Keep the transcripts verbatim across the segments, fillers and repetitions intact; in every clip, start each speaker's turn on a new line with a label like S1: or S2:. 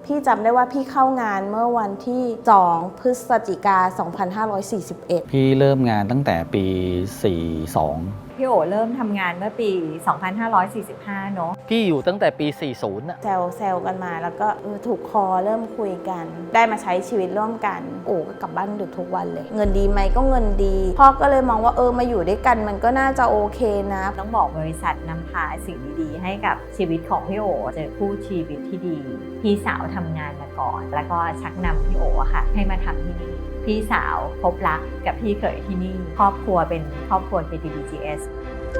S1: พี่จำได้ว่าพี่เข้างานเมื่อวันที่สองพฤศจิกายนสองพันห้าร้อยสี่สิบเอ็ด
S2: พี่เริ่มงานตั้งแต่ปีสี่สอง
S3: พี่โอเริ่มทำงานเมื่อปี สองพันห้าร้อยสี่สิบห้า เนอะ
S4: พี่อยู่ตั้งแต่ปี สี่สิบน่ะ
S1: แซวแซวกันมาแล้วก็เออถูกคอเริ่มคุยกัน ได้มาใช้ชีวิตร่วมกันโอ้ก็กลับบ้านดึกทุกวันเลย เงินดีไหมก็เงินดีพ่อก็เลยมองว่าเออมาอยู่ด้วยกันมันก็น่าจะโอเคนะ
S3: ต้องบอกบริษัทนำพาสิ่งดีๆให้กับชีวิตของพี่โอเจอคู่ชีวิตที่ดีพี่สาวทำงานมาก่อนแล้วก็ชักนำพี่โออะค่ะให้มาทำที่นี่พี่สาวพบรักกับพี่เขยที่นี่ครอบครัวเป็นครอบครัว เค ที บี จี เอส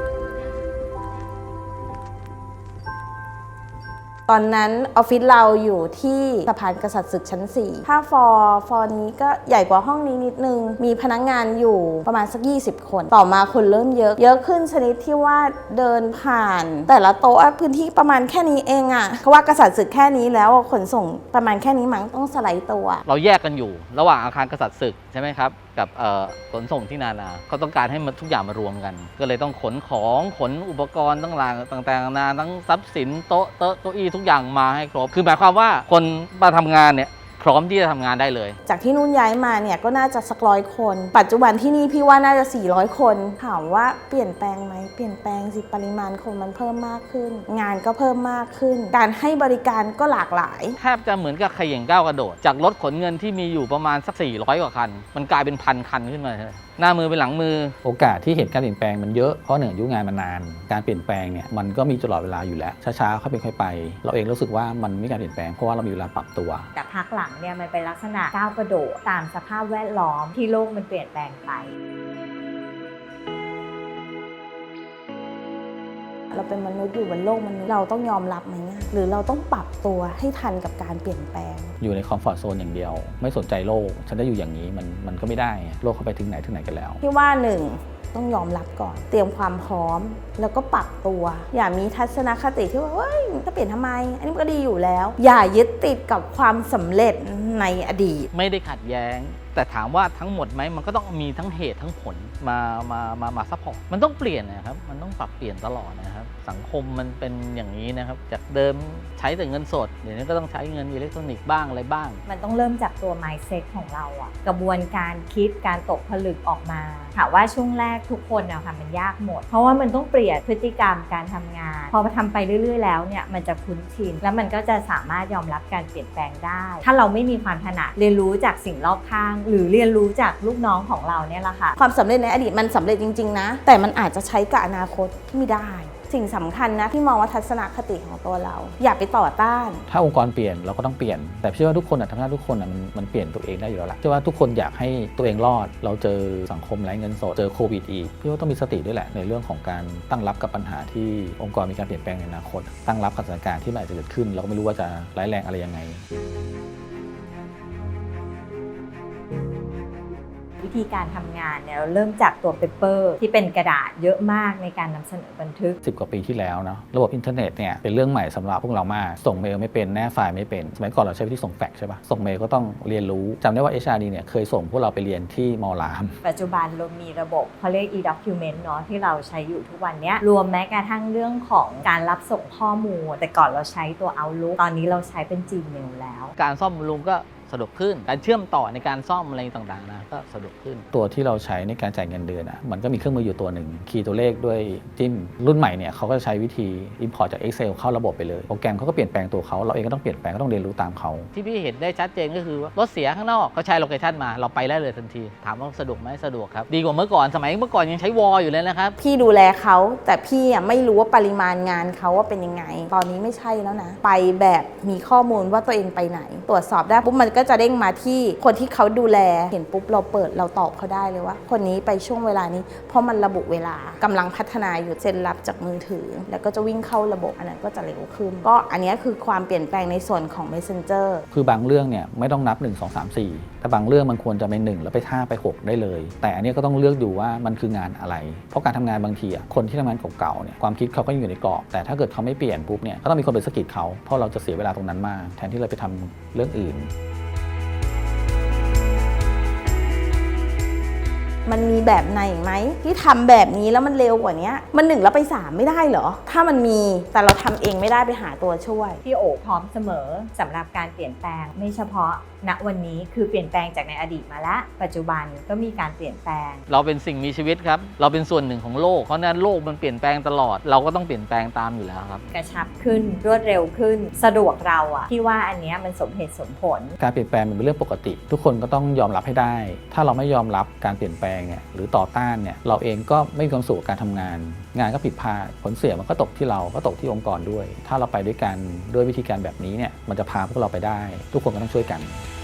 S1: ตอนนั้นออฟฟิศเราอยู่ที่สะพานกษัตริย์ศึกชั้นสี่ถ้าฟอร์ฟอร์นี้ก็ใหญ่กว่าห้องนี้นิดนึงมีพนักงานอยู่ประมาณสักยี่สิบคนต่อมาคนเริ่มเยอะเยอะขึ้นชนิดที่ว่าเดินผ่านแต่ละโต๊ะพื้นที่ประมาณแค่นี้เองอะเขาว่ากษัตริย์ศึกแค่นี้แล้วขนส่งประมาณแค่นี้มั้งต้องสไลด์ตัว
S4: เราแยกกันอยู่ระหว่างอาคารกษัตริย์ศึกใช่ไหมครับกับขนส่งที่นานาเขาต้องการให้มันทุกอย่างมารวมกันก็เลยต้องขนของขนอุปกรณ์ต่างๆต่างๆนานาทั้งทรัพย์สินโต๊ะโต๊ะเก้าอี้ทุกอย่างมาให้ครบคือหมายความว่าคนมาทำงานเนี่ยพร้อมที่จะทำงานได้เลย
S1: จากที่นู่นย้ายมาเนี่ยก็น่าจะสักร้อยคนปัจจุบันที่นี่พี่ว่าน่าจะสี่ร้อยคนถามว่าเปลี่ยนแปลงไหมเปลี่ยนแปลงสิปริมาณคนมันเพิ่มมากขึ้นงานก็เพิ่มมากขึ้นการให้บริการก็หลากหลาย
S4: แทบจะเหมือนกับเขย่งก้าวกระโดดจากรถขนเงินที่มีอยู่ประมาณสักสี่ร้อยกว่าคันมันกลายเป็นพันคันขึ้นมาหน้ามือเป็นหลังมือ
S2: โอกาสที่เห็นการเปลี่ยนแปลงมันเยอะเพราะหนึ่งอายุงานมานานการเปลี่ยนแปลงเนี่ยมันก็มีตลอดเวลาอยู่แล้วช้าๆค่อยเป็นค่อยไปเราเองรู้สึกว่ามันไม่มีการเปลี่ยนแปลงเพราะว่าเรามีเวลาปรับตัว
S3: แต่พักหลังเนี่ยมันเป็นลักษณะก้าวกระโดดตามสภาพแวดล้อมที่โลกมันเปลี่ยนแปลงไป
S1: เราเป็นมนุษย์อยู่บนโลกมนุษย์เราต้องยอมรับมันหรือเราต้องปรับตัวให้ทันกับการเปลี่ยนแปลง
S2: อยู่ในคอมฟอร์ทโซนอย่างเดียวไม่สนใจโลกฉันได้อยู่อย่างนี้มันมันก็ไม่ได้โลกเขาไปถึงไหนถึงไหนกันแล้ว
S1: ที่ว่าหนึ่งต้องยอมรับก่อนเตรียมความพร้อมแล้วก็ปรับตัวอย่ามีทัศนคติที่ว่าเฮ้ยจะเปลี่ยนทำไมอันนี้มันก็ดีอยู่แล้วอย่ายึดติดกับความสำเร็จในอดีต
S4: ไม่ได้ขัดแย้งแต่ถามว่าทั้งหมดไหมมันก็ต้องมีทั้งเหตุทั้งผลมามามามาซัพพอร์ตมันต้องเปลี่ยนนะครับมันต้องปรับเปลี่ยนตลอดนะครับสังคมมันเป็นอย่างนี้นะครับจากเดิมใช้แต่เงินสดเดี๋ยวนี้ก็ต้องใช้เงินอิเล็กทรอนิกส์บ้างอะไรบ้าง
S3: มันต้องเริ่มจากตัว mindset ของเราอะกระบวนการคิดการตกผลึกออกมาถามว่าช่วงแรกทุกคนอะค่ะมันยากหมดเพราะว่ามันต้องเปลี่ยนพฤติกรรมการทำงานพอทำไปเรื่อยๆแล้วเนี่ยมันจะคุ้นชินแล้วมันก็จะสามารถยอมรับการเปลี่ยนแปลงได้ถ้าเราไม่มีความถนัดเรียนรู้จากสิ่งรอบข้างหรือเรียนรู้จากลูกน้องของเราเนี่ยแหละค่ะ
S1: ความสำเร็จในอดีตมันสำเร็จจริงๆนะแต่มันอาจจะใช้กับอนาคตที่ไม่ได้สิ่งสำคัญนะที่มองว่าทัศนคติของตัวเราอย่าไปต่อต้าน
S2: ถ้าองค์กรเปลี่ยนเราก็ต้องเปลี่ยนแต่เชื่อว่าทุกคนทำหน้าทุกคนมันมันเปลี่ยนตัวเองได้อยู่แล้วล่ะเชื่อว่าทุกคนอยากให้ตัวเองรอดเราเจอสังคมไร้เงินสดเจอโควิดอีกพี่ว่าต้องมีสติด้วยแหละในเรื่องของการตั้งรับกับปัญหาที่องค์กรมีการเปลี่ยนแปลงในอนาคตตั้งรับกับสถานการณ์ที่มันอาจจะเกิดขึ้นเราก็ไม่รู้ว่าจะร้ายแรงอะไรยังไง
S3: วิธีการทำงานเนี่ยเราเริ่มจากตัวเปเปอร์ที่เป็นกระดาษเยอะมากในการนำเสนอบันทึก
S2: สิบกว่าปีที่แล้วเนาะระบบอินเทอร์เน็ตเนี่ยเป็นเรื่องใหม่สำหรับพวกเรามากส่งเมลไม่เป็นแนบไฟล์ไม่เป็นสมัยก่อนเราใช้วิธีส่งแฟกซ์ใช่ปะส่งเมลก็ต้องเรียนรู้จำได้ว่า เอช อาร์ ดี เนี่ยเคยส่งพวกเราไปเรียนที่มอราม
S3: ปัจจุบันเรามีระบบเขาเรียก e-document เนาะที่เราใช้อยู่ทุกวันนี้รวมแม้กระทั่งเรื่องของการรับส่งข้อมูลแต่ก่อนเราใช้ตัว Outlook ตอนนี้เราใช้เป็น Gmail แล้ว
S4: การซ่อมบำรุงก็สะดวกขึ้นการเชื่อมต่อในการซ่อมอะไรต่างๆนะก็สะดวกขึ้น
S2: ตัวที่เราใช้ในการจ่ายเงินเดือนอ่ะมันก็มีเครื่องมืออยู่ตัวหนึ่งคีย์ตัวเลขด้วยจิ้มรุ่นใหม่เนี่ยเขาก็ใช้วิธี import จาก Excel เข้าระบบไปเลยโปรแกรมเขาก็เปลี่ยนแปลงตัวเขาเราเองก็ต้องเปลี่ยนแปลงก็ต้องเรียนรู้ตามเขา
S4: ที่พี่เห็นได้ชัดเจนก็คือรถเสียข้างนอกเขาใช้โลเคชั่นมาเราไปได้เลยทันทีถามว่าสะดวกไหมสะดวกครับดีกว่าเมื่อก่อนสมัยเมื่อก่อนยังใช้วอลอยู่เลยนะครับ
S1: พี่ดูแลเขาแต่พี่ไม่รู้ว่าปริมาณงานเขาว่าเป็นยังไงตอนนี้ไม่ใช่แล้วนะไปแบบมีข้อมูลว่าตัวเองไปไหนตรวจสอบได้ปุ๊บมันก็จะเด้งมาที่คนที่เขาดูแลเห็นปุ๊บเราเปิดเราตอบเขาได้เลยว่าคนนี้ไปช่วงเวลานี้เพราะมันระบุเวลากำลังพัฒนาอยู่เซ็นรับจากมือถือแล้วก็จะวิ่งเข้าระบบอันนั้นก็จะเร็วขึ้นก็อันนี้คือความเปลี่ยนแปลงในส่วนของ Messenger
S2: คือบางเรื่องเนี่ยไม่ต้องนับหนึ่ง สอง สาม สี่แต่บางเรื่องมันควรจะไปหนึ่งแล้วไปห้าไปหกได้เลยแต่อันนี้ก็ต้องเลือกดูว่ามันคืองานอะไรเพราะการทำงานบางทีอ่ะคนที่ทำงานเก่าๆเนี่ยความคิดเขาก็อยู่ในกรอบแต่ถ้าเกิดเขาไม่เปลี่ยนปุ๊บเนี่ยก็ต้องมีคนไปสะกิดเขาเพราะเราจะเสียเวลาตรงนั้นมากแทนที่เราไปทำเรื่องอื่น
S1: มันมีแบบไหนไหมที่ทำแบบนี้แล้วมันเร็วกว่านี้มันหนึ่งแล้วไปสามไม่ได้เหรอถ้ามันมีแต่เราทำเองไม่ได้ไปหาตัวช่วย
S3: พี่โอพร้อมเสมอสำหรับการเปลี่ยนแปลงไม่เฉพาะณวันนี้คือเปลี่ยนแปลงจากในอดีตมาแล้วปัจจุบันก็มีการเปลี่ยนแปลง
S4: เราเป็นสิ่งมีชีวิตครับเราเป็นส่วนหนึ่งของโลกเพราะฉะนั้นโลกมันเปลี่ยนแปลงตลอดเราก็ต้องเปลี่ยนแปลงตามอยู่แล้วครับ
S3: กระชับขึ้นรวดเร็วขึ้นสะดวกเราอะที่ว่าอันเนี้ยมันสมเหตุสมผล
S2: การเปลี่ยนแปลงมันเป็นเรื่องปกติ ทุกคนก็ต้องยอมรับให้ได้ ถ้าเราไม่ยอมรับการเปลี่ยนแปลงเนี่ยหรือต่อต้านเนี่ยเราเองก็ไม่มีความสุขกับการทำงาน งานก็ผิดพลาดผลเสียมันก็ตกที่เราก็ตกที่องค์กรด้วย ถ้าเราไปด้วยกันด้วยวิธีการแบบนี้เนี่ยมันจะพาพวกเราไปได้ ทุกคนก็ต้องช่วยกัน